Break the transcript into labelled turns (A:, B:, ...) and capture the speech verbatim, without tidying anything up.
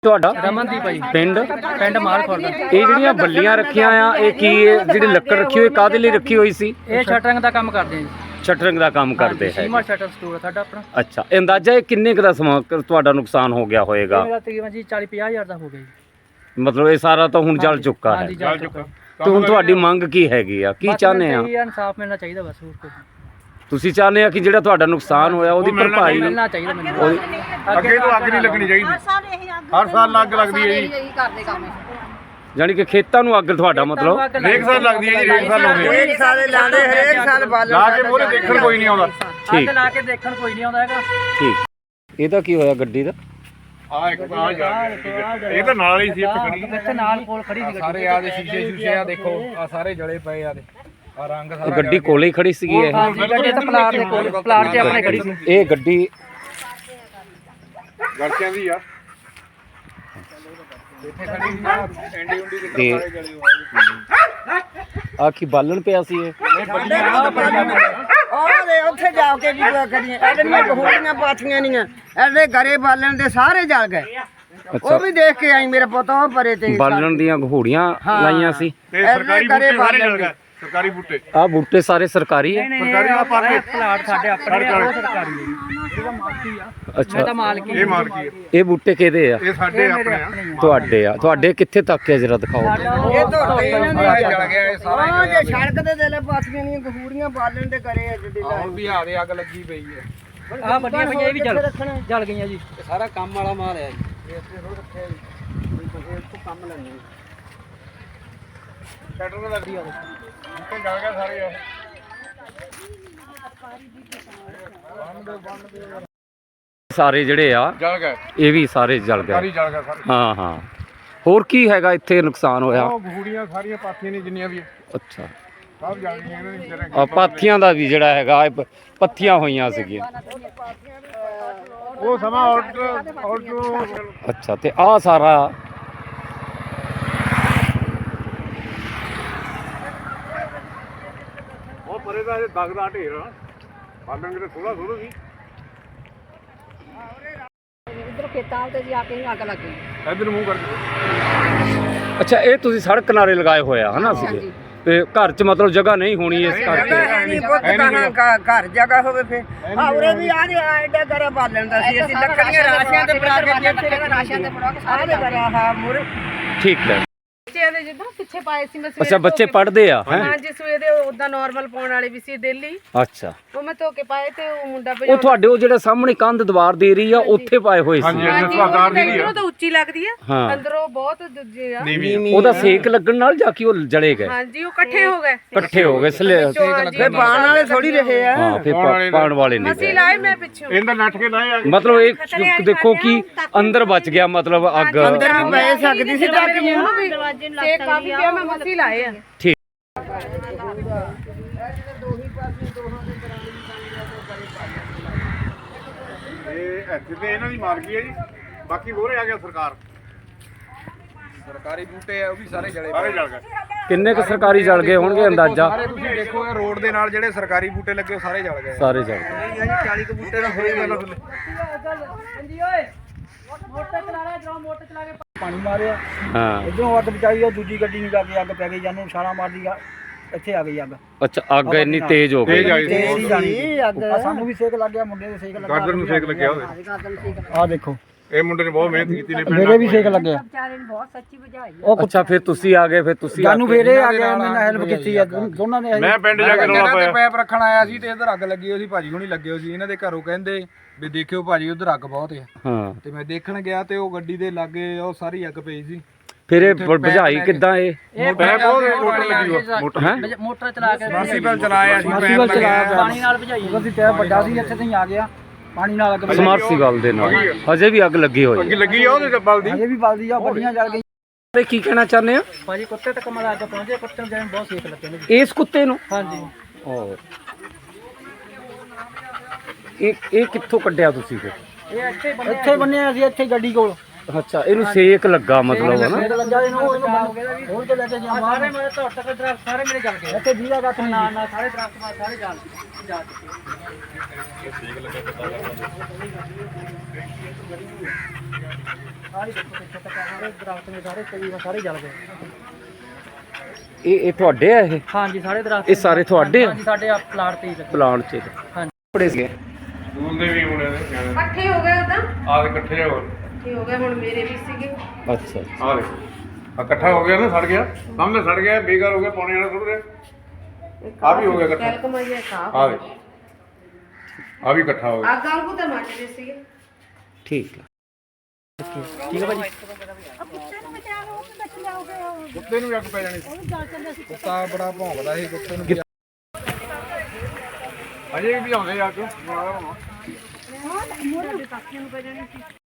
A: ਤੁਹਾਡਾ
B: ਰਮਨਦੀਪ ਭਾਈ
A: ਪਿੰਡ
B: ਪਿੰਡ ਮਾਲਖੁਰਦ।
A: ਇਹ ਜਿਹੜੀਆਂ ਬੱਲੀਆਂ ਰੱਖੀਆਂ ਆ ਇਹ ਕੀ ਜਿਹੜੀ ਲੱਕੜ ਰੱਖੀ ਹੋਈ ਕਾਹਦੇ ਲਈ ਰੱਖੀ ਹੋਈ ਸੀ?
B: ਇਹ ਸ਼ਟਰਿੰਗ ਦਾ ਕੰਮ ਕਰਦੇ ਜੀ।
A: ਸ਼ਟਰਿੰਗ ਦਾ ਕੰਮ ਕਰਦੇ ਹੈ।
B: ਸੀਮਾ ਸ਼ਟਰ ਸਟੋਰ ਹੈ ਸਾਡਾ ਆਪਣਾ।
A: ਅੱਛਾ, ਅੰਦਾਜ਼ਾ ਇਹ ਕਿੰਨੇ ਕੁ ਦਾ ਸਮਾਂ ਤੁਹਾਡਾ ਨੁਕਸਾਨ ਹੋ ਗਿਆ ਹੋਏਗਾ?
B: ਮੇਰਾ ਤਕਰੀਬਨ ਜੀ ਚਾਲੀ ਪੰਜਾਹ ਹਜ਼ਾਰ ਦਾ ਹੋ ਗਿਆ ਜੀ।
A: ਮਤਲਬ ਇਹ ਸਾਰਾ ਤਾਂ ਹੁਣ ਜਲ ਚੁੱਕਾ ਹੈ।
B: ਹਾਂਜੀ ਜਲ ਚੁੱਕਾ।
A: ਤੇ ਹੁਣ ਤੁਹਾਡੀ ਮੰਗ ਕੀ ਹੈਗੀ ਆ, ਕੀ ਚਾਹੁੰਦੇ ਆ?
B: ਇਨਸਾਫ ਮਿਲਣਾ ਚਾਹੀਦਾ ਬਸ ਹੋਰ ਕੁਝ।
A: ਤੁਸੀਂ ਚਾਹੁੰਦੇ ਆ ਕਿ ਜਿਹੜਾ ਤੁਹਾਡਾ ਨੁਕਸਾਨ ਹੋਇਆ ਉਹਦੀ ਭਰਪਾਈ
B: ਮਿਲਣਾ ਚਾਹੀਦਾ ਮੈਨੂੰ।
C: ਅੱਗੇ ਤੋਂ ਅੱਗ ਨਹੀਂ ਲੱਗਣੀ ਚਾਹੀਦੀ। ਹਰ ਸਾਲ ਅੱਗ ਲੱਗਦੀ ਹੈ ਜੀ।
A: ਯਾਨੀ ਕਿ ਖੇਤਾਂ ਨੂੰ ਅੱਗ ਤੁਹਾਡਾ ਮਤਲਬ
C: ਹਰੇਕ ਸਾਲ ਲੱਗਦੀ ਹੈ ਜੀ। ਹਰੇਕ ਸਾਲ ਲਾਉਂਦੇ
D: ਹਰੇਕ ਸਾਲ ਲਾਉਂਦੇ ਹਰੇਕ ਸਾਲ ਬਾਲਣ
C: ਲਾ ਕੇ ਮੂਹਰੇ ਦੇਖਣ ਕੋਈ ਨਹੀਂ ਆਉਂਦਾ।
B: ਅੱਗ ਲਾ ਕੇ ਦੇਖਣ ਕੋਈ ਨਹੀਂ ਆਉਂਦਾ ਹੈਗਾ।
A: ਠੀਕ। ਇਹਦਾ ਕੀ ਹੋਇਆ ਗੱਡੀ ਦਾ?
C: ਆ ਇੱਕ ਆ ਜਾ ਇਹ ਤਾਂ ਨਾਲ ਹੀ ਸੀ ਇੱਥੇ ਖੜੀ।
B: ਇੱਥੇ ਨਾਲ ਕੋਲ ਖੜੀ ਸੀ ਗੱਡੀ।
E: ਸਾਰੇ ਆ ਦੇ ਸ਼ੀਸ਼ੇ ਸ਼ੂਸ਼ੇ ਆ ਦੇਖੋ ਆ ਸਾਰੇ ਜਲੇ ਪਏ ਆ ਦੇ ਆ ਰੰਗ
A: ਇਹ
E: ਸਾਰਾ
A: ਗੱਡੀ ਕੋਲੇ ਹੀ ਖੜੀ ਸੀਗੀ ਇਹ?
B: ਹਾਂਜੀ ਗੱਡੀ ਤਾਂ ਪਲਾਟ ਦੇ ਕੋਲ ਪਲਾਟ 'ਚ ਆਪਣੇ ਖੜੀ ਸੀ।
A: ਇਹ ਗੱਡੀ
C: ਗੜਕਿਆਂ ਦੀ ਆ।
E: ਇੱਥੇ ਖੜੀ ਸੀ ਆ ਐਂਡੀ ਉਂਡੀ ਦੇ
A: ਤੇ
E: ਸਾਰੇ ਜਲੇ ਹੋਏ
A: ਆ ਕੀ ਬਾਲਣ ਪਿਆ ਸੀ ਇਹ?
D: ਉਹਦੇ ਉੱਥੇ ਜਾ ਕੇ ਵੀ ਕਰੀਏ ਐਡੀਆਂ ਗਹੂੜੀਆਂ ਪਾਥੀਆਂ ਨਹੀਂ ਐਡੇ ਘਰੇ ਬਾਲਣ ਦੇ ਸਾਰੇ ਜਲ ਗਏ। ਉਹ ਵੀ ਦੇਖ ਕੇ ਆਈ ਮੇਰਾ ਪੁੱਤ ਉਹ ਪਰੇ ਤੇ
A: ਬਾਲਣ ਦੀਆਂ ਘੋੜੀਆਂ ਲਾਈਆਂ ਸੀ
C: ਤੇ ਸਰਕਾਰੀ ਬੂਟੇ ਸਾਰੇ ਜਲ ਗਏ। ਸਰਕਾਰੀ ਬੂਟੇ
A: ਆ ਬੂਟੇ ਸਾਰੇ ਸਰਕਾਰੀ ਹੈ?
C: ਸਰਕਾਰੀ ਆ ਪਾਰਕ
B: ਪਲਾਟ ਸਾਡੇ ਆਪਣੇ ਆ, ਉਹ ਸਰਕਾਰੀ ਹੈ ਜੀ। ਇਹਦਾ ਮਾਲਕੀ ਆ।
A: ਅੱਛਾ,
B: ਮੈਂ ਤਾਂ ਮਾਲਕੀ
C: ਇਹ ਮਾਲਕੀ ਹੈ।
A: ਇਹ ਬੂਟੇ ਕਿਹਦੇ ਆ?
C: ਇਹ ਸਾਡੇ ਆਪਣੇ ਆ।
A: ਤੁਹਾਡੇ ਆ? ਤੁਹਾਡੇ ਕਿੱਥੇ ਤੱਕ ਹੈ ਜਰਾ ਦਿਖਾਓ।
D: ਇਹ ਤੋਂ ਇਹਨਾਂ
E: ਸਾਰਾ
D: ਨੇ
E: ਜਲ ਗਿਆ ਇਹ ਸਾਰਾ
D: ਉਹ ਜੇ ਸੜਕ ਦੇ ਦੇਲੇ ਪਾਥੀਆਂ ਨਹੀਂ ਗਹੂੜੀਆਂ ਬਾਲਣ ਦੇ ਘਰੇ ਅੱਜ ਦੇ
E: ਹੁਣ ਵੀ ਆ ਦੇ ਅੱਗ ਲੱਗੀ ਪਈ ਹੈ।
B: ਆ ਵੱਡੀਆਂ ਪਈਆਂ ਇਹ ਵੀ ਜਲ ਜਲ ਗਈਆਂ ਜੀ।
E: ਇਹ ਸਾਰਾ ਕੰਮ ਵਾਲਾ ਮਾਲ ਹੈ ਜੀ। ਇਹ ਇੱਥੇ ਰੋਡ ਰੱਖਿਆ ਜੀ। ਇਹ ਤੋਂ ਕੰਮ ਲੈਣੇ
C: ਸ਼ਟਰ ਤਾਂ ਲੱਗਦੀ ਆ ਉੱਤੇ ਜਲ ਗਿਆ ਸਾਰੇ ਆ।
A: ਸਾਰੇ ਜਿਹੜੇ ਆ
C: ਜਲ ਗਏ।
A: ਇਹ ਵੀ ਸਾਰੇ ਜਲ
C: ਸਰਕਾਰੀ
A: ਗਏ?
C: ਜਲ ਗਿਆ ਸਾਰੇ।
A: ਹਾਂ ਹਾਂ। ਹੋਰ ਕੀ ਹੈਗਾ ਇੱਥੇ ਨੁਕਸਾਨ ਹੋਇਆ?
C: ਉਹ ਗਹੂੜੀਆਂ ਸਾਰੀਆਂ ਪਾਥੀਆਂ ਨੇ ਜਿੰਨੀਆਂ ਵੀ
A: ਅੱਛਾ,
C: ਸਭ ਜਲ ਗਈਆਂ ਇਹਨਾਂ ਦੀ ਜਿਹੜੇ
A: ਆ ਪਾਥੀਆਂ ਦਾ ਵੀ ਜਿਹੜਾ ਹੈਗਾ ਇਹ ਪ- ਪੱਥੀਆਂ ਹੋਈਆਂ ਸੀਗੀਆਂ।
C: ਉਹ ਸਮਾਂ ਆਰਡਰ ਆਰਡਰ
A: ਅੱਛਾ, ਤੇ ਆ ਸਾਰਾ
C: ਉਹ ਪਰੇ ਦਾ ਇਹ ਦਗ ਦਾ ਢੇਰ ਆ। ਬਾਲਣ ਕਿਤੇ ਥੋੜਾ ਥੋੜਾ ਸੀ।
F: ਇਧਰ ਖੇਤਾਂ ਤੇ ਜਾ ਕੇ ਹੀ ਅੱਗ ਲੱਗ ਗਈ।
C: ਇੱਧਰ ਮੂੰਹ ਕਰਕੇ।
A: ਅੱਛਾ, ਇਹ ਤੁਸੀਂ ਸੜਕ ਕਿਨਾਰੇ ਲਗਾਏ ਹੋਇਆ ਹਨਾ ਸੀਗੇ? ਤੇ ਘਰ 'ਚ ਮਤਲਬ ਜਗ੍ਹਾ ਨਹੀਂ ਹੋਣੀ ਇਸ ਕਰਕੇ?
D: ਨਹੀਂ ਪੁੱਤ ਕਹਾਂ ਘਰ ਜਗ੍ਹਾ ਹੋਵੇ ਫੇ ਆ ਉਰੇ ਵੀ ਆ ਰਿਹਾ ਐਡਾ ਘਰੇ ਬਾਲਣ ਦਾ ਸੀ ਅਸੀਂ ਲੱਕੜੀਆਂ ਰਾਸ਼ੀਆਂ ਤੇ ਬਣਾ ਕੇ ਇੱਥੇ
F: ਰਾਸ਼ਨ ਤੇ ਬੜਾ ਕੇ
D: ਸਾਰੇ ਬਣਾ ਹਾਂ ਮੁਰ
A: ਠੀਕ ਹੈ।
G: ਬੱਚਿਆਂ ਦੇ ਜਿੱਦਾਂ ਪਿੱਛੇ ਪਾਏ ਸੀ ਮੈਂ ਸਵੇਰੇ
A: ਅੱਛਾ, ਬੱਚੇ ਪੜ੍ਹਦੇ ਆ ਹੈ?
G: ਹਾਂਜੀ ਸਵੇਰੇ ਉਦਾਂ ਨਾਰਮਲ ਪਾਉਣ ਵਾਲੇ ਵੀ ਸੀ ਡੇਲੀ।
A: ਅੱਛਾ,
G: ਉਹ ਮੈਂ ਧੋ ਕੇ ਪਾਏ ਤੇ ਉਹ ਮੁੰਡਾ
A: ਉਹ ਤੁਹਾਡੇ ਉਹ ਜਿਹੜੇ ਸਾਹਮਣੇ ਕੰਧ ਦੀਵਾਰ ਦੇ ਰਹੀ ਆ ਉੱਥੇ ਪਾਏ ਹੋਏ ਸੀ?
C: ਹਾਂਜੀ
G: ਹਾਂਜੀ
C: ਸੁਹਾਗਦਾਰ ਦੀ
G: ਅੰਦਰੋਂ
C: ਆ।
G: ਤਾਂ ਉੱਚੀ ਲੱਗਦੀ ਆ।
A: ਹਾਂ।
G: ਅੰਦਰੋਂ ਬਹੁਤ ਦੂਜੇ ਆ।
A: ਉਹਦਾ ਸੇਕ ਲੱਗਣ ਨਾਲ ਜਾਂ ਕਿ ਉਹ ਜਲੇ ਗਏ?
G: ਹਾਂਜੀ ਉਹ ਇਕੱਠੇ ਹੋ ਗਏ।
A: ਇਕੱਠੇ ਹੋ ਗਏ ਸਲੇ?
D: ਫੇ ਬਾਣ ਵਾਲੇ ਥੋੜੀ ਰਹੇ ਆ।
A: ਹਾਂ, ਫਿਰ ਪਾ- ਪਾਉਣ ਵਾਲੇ ਨਹੀਂ
G: ਮਸੀ
A: ਗਏ।
G: ਲਾਏ ਮੈਂ ਪਿੱਛੋਂ।
C: ਇਹਦਾ ਨੱਠ ਕੇ ਲਾਏ ਆ।
A: ਮਤਲਬ ਇਹ ਦੇਖੋ ਕਿ ਅੰਦਰ ਬਚ ਗਿਆ ਮਤਲਬ ਅੱਗ।
D: ਅੰਦਰ ਵੀ ਪੈ ਸਕਦੀ ਸੀ ਤਾਂ ਕਿ
G: ਉਹਨੂੰ ਵੀ ਤੇ ਕਾਫੀ ਪਿਆ ਮੈਂ ਮਸੀ ਲਾਏ ਆ।
A: ਠੀਕ।
C: ਇਹ ਇੱਥੇ ਤੇ ਇਹਨਾਂ ਦੀ ਮਾਲਕੀ ਹੈ ਜੀ। ਬਾਕੀ ਹੋਰੇ ਆ ਗਿਆ ਸਰਕਾਰ।
E: ਸਰਕਾਰੀ ਬੂਟੇ ਆ ਉਹ ਵੀ ਸਾਰੇ ਜਲੇ
C: ਸਾਰੇ
E: ਪਏ
C: ਜਲ ਗਏ।
A: ਕਿੰਨੇ ਕੁ ਸਰਕਾਰੀ ਜਲ ਗਏ ਹੋਣਗੇ ਅੰਦਾਜ਼ਾ?
E: ਸਾਰੇ ਤੁਸੀਂ ਦੇਖੋ ਇਹ ਰੋਡ ਦੇ ਨਾਲ ਜਿਹੜੇ ਸਰਕਾਰੀ ਬੂਟੇ ਲੱਗੇ ਉਹ ਸਾਰੇ ਜਲ ਗਏ।
A: ਸਾਰੇ ਜਲ ਗਏ।
E: ਚਾਲੀ ਕੁ ਬੂਟੇ ਦਾ ਹੋਏ ਗੱਲ ਥੱਲੇ।
B: ਹਾਂਜੀ ਓਏ ਮੋਟਰ ਚਲਾ ਲੈ ਜਰਾ ਮੋਟਰ ਚਲਾ ਕੇ ਪਾਣੀ ਮਾਰਿਆ।
A: ਹਾਂ,
B: ਇਧਰੋਂ ਅੱਗ ਬਚਾਈ ਉਹ ਦੂਜੀ ਗੱਡੀ ਨੂੰ ਜਾ ਕੇ ਅੱਗ ਪੈ ਗਈ ਜਾਨੂੰ ਛਾਲਾ ਮਾਰਦੀ ਆ ਇੱਥੇ ਆ ਗਈ ਅੱਗ।
A: ਅੱਛਾ, ਅੱਗ ਇੰਨੀ ਤੇਜ਼ ਹੋ
C: ਤੇਜ਼
A: ਗਈ?
C: ਆਈ ਸੀ।
B: ਤੇਜ਼ ਹੀ ਜਾਣੀ
D: ਅੱਗ
B: ਆ ਸਾਨੂੰ ਵੀ ਸੇਕ ਲੱਗ ਗਿਆ ਮੁੰਡੇ ਦੇ ਸੇਕ ਲੱਗਾ।
C: ਗਾਰਡਨ ਨੂੰ ਸੇਕ ਲੱਗਿਆ ਹੋਵੇ।
B: ਆ ਦੇਖੋ
C: ਇਹ ਮੁੰਡੇ ਨੇ ਬਹੁਤ ਮਿਹਨਤ ਕੀਤੀ ਨੇ ਪਿੰਡ
B: ਮੇਰੇ ਵੀ ਸੇਕ ਲੱਗਿਆ।
F: ਵਿਚਾਰੇ ਨੇ ਬਹੁਤ ਸੱਚੀ ਬੁਝਾਈ।
B: ਉਹ
A: ਅੱਛਾ, ਫਿਰ ਤੁਸੀਂ ਆ ਗਏ? ਫਿਰ ਤੁਸੀਂ
B: ਜਾਨੂੰ ਫੇਰੇ ਆ ਗਿਆ ਮੈਨੂੰ ਹੈਲਪ ਕੀਤੀ ਆ ਦੋਨਾਂ ਨੇ।
C: ਮੈਂ ਪਿੰਡ ਜਾ ਕੇ ਰੌਲਾ
E: ਇਹਨਾਂ ਤੇ
C: ਪਾਇਆ।
E: ਪੈਪ ਰੱਖਣ ਆਇਆ ਸੀ ਤੇ ਇਧਰ ਅੱਗ ਲੱਗੀ ਹੋਈ ਸੀ। ਭਾਜੀ ਹੁਣੀ ਲੱਗੇ ਹੋਏ ਸੀ। ਇਹਨਾਂ ਦੇ ਘਰੋਂ ਕਹਿੰਦੇ ਵੀ ਦੇਖਿਓ ਭਾਜੀ ਉਧਰ ਅੱਗ ਬਹੁਤ ਆ।
A: ਹਾਂ,
E: ਤੇ ਮੈਂ ਦੇਖਣ ਗਿਆ ਤੇ ਉਹ ਗੱਡੀ ਦੇ ਲਾਗੇ ਉਹ ਸਾਰੀ ਅੱਗ ਪਈ ਸੀ।
A: ਫਿਰ ਇਹ ਬ- ਬੁਝਾਈ ਕਿੱਦਾਂ ਇਹ?
C: ਪੈਪ ਬਹੁਤ ਮੋਟਰ ਲੱਗੀ ਹੋਈ ਮੋਟਰ।
A: ਹੈਂ?
B: ਮੋਟਰ ਚਲਾ ਕੇ
E: ਮਰਸੀਬਲ ਚਲਾਇਆ ਸੀ ਪੈਪ
B: ਚਲਾ
E: ਲੱਗਿਆ।
B: ਪਾਣੀ ਨਾਲ ਭਜਾਈ ਉਹਦੀ ਟੈਪ ਵੱਡਾ ਸੀ ਇੱਥੇ ਤਾਈਂ ਆ ਗਿਆ ਪਾਣੀ ਨਾਲ ਅੱਗ
A: ਸਮਰਸੀਬਲ ਦੇ ਨਾਲ ਹਜੇ ਵੀ ਅੱਗ ਲੱਗੀ ਹੋਈ
C: ਅੱਗੇ
A: ਹੈ?
C: ਲੱਗੀ ਆ ਉਹਦੇ ਤੇ ਬਲਦੀ।
B: ਹਜੇ ਵੀ ਬਲਦੀ ਆ ਵੱਡੀਆਂ ਜਲ ਗਈਆਂ।
A: ਕੀ ਕਹਿਣਾ ਚਾਹੁੰਦੇ ਆ?
B: ਭਾਜੀ ਕੁੱਤੇ ਤੱਕ ਮਲਾ ਅੱਗ ਪਹੁੰਚੇ। ਕੁੱਤੇ ਨੂੰ ਜਾਨ ਬਹੁਤ ਸੇਕ ਲੱਗੇ ਨੇ।
A: ਇਸ ਕੁੱਤੇ ਨੂੰ?
B: ਹਾਂਜੀ
A: ਓ, ਇਹ ਇਹ ਕਿੱਥੋਂ ਕੱਢਿਆ ਤੁਸੀਂ ਫਿਰ?
B: ਇਹ ਇੱਥੇ ਬੰਨੇ ਇੱਥੇ ਬੰਨੇ ਅਸੀਂ ਇੱਥੇ ਗੱਡੀ ਕੋਲ।
A: ਅੱਛਾ, ਇਹਨੂੰ ਸੇਕ ਲੱਗਾ ਮਤਲਬ ਹੈ ਨਾ?
B: ਸੇਕ ਲੱਗਾ ਇਹਨੂੰ ਇਹਨੂੰ ਹੋਰ ਤੇ ਲੈ ਕੇ ਜਾ ਸਾਰੇ ਮੇਰੇ ਤੋਂ ਤੱਕ ਦਰਖਤ ਸਾਰੇ ਮੇਰੇ ਜਲ ਗਏ। ਇੱਥੇ ਵੀਰਾ ਕੱਖ ਨਾ ਨਾ ਸਾਰੇ ਦਰਖਤ ਬਾਹਰ ਸਾਰੇ ਜਲ ਜਾ ਚੁੱਕੇ। ਸਾਰੇ ਦੇਖੋ ਪਿੱਛੇ ਤੱਕ ਸਾਰੇ ਦਰਖਤ ਨੇ ਸਾਰੇ ਤਕਰੀਬਨ ਸਾਰੇ ਜਲ ਗਏ।
A: ਇਹ ਇਹ ਤੁਹਾਡੇ ਆ ਇਹ
B: ਹਾਂਜੀ ਸਾਰੇ ਦਰਖਤ
A: ਇਹ ਸਾਰੇ ਤੁਹਾਡੇ ਆ
B: ਹਾਂਜੀ ਸਾਡੇ ਆ ਪਲਾਟ ਤੇ ਹੀ ਲੱਗੇ।
A: ਪਲਾਂਟ 'ਚ
B: ਹਾਂਜੀ।
A: ਬੜੇ ਸੀਗੇ
C: ਸਕੂਲ ਦੇ ਵੀ ਮੁੰਡੇ ਨੇ ਸਿਆਣੇ
G: ਇਕੱਠੇ ਹੋ ਗਏ ਉਦਾਂ
C: ਆ ਦੇ ਇਕੱਠੇ ਹੋ
G: ਇਕੱਠੇ ਹੋ ਗਏ ਹੁਣ ਮੇਰੇ ਵੀ ਸੀਗੇ
A: ਅੱਛਾ
C: ਆ ਦੇ ਆ ਇਕੱਠਾ ਹੋ ਗਿਆ ਨਾ ਸੜ ਗਿਆ ਸਾਹਮਣੇ ਸੜ ਗਿਆ ਬੇਕਾਰ ਹੋ ਗਿਆ ਪਾਣੀ ਵਾਲਾ ਸੁੱਟ ਰਿਹਾ ਆ ਵੀ ਹੋ ਗਿਆ ਇਕੱਠਾ
G: ਕੈਲ ਕਮਾਈਆ ਸਾਫ
C: ਆ ਦੇ ਆ ਵੀ ਇਕੱਠਾ ਹੋ ਗਿਆ
G: ਆ ਗਾਂਗੂ ਤਾਂ ਮੱਚਦੇ ਸੀਗੇ
A: ਠੀਕ ਆ
B: ਠੀਕ ਹੈ ਭਾਜੀ।
C: ਕੁੱਤੇ ਨੂੰ ਵੀ ਅੱਗ ਪੈ ਜਾਣੀ ਸੀ
E: ਕੁੱਤਾ ਬੜਾ ਭੌਂਕਦਾ ਸੀ ਕੁੱਤੇ ਨੂੰ
C: ਅਜੇ ਵੀ ਆਉਂਦੇ ਅੱਗ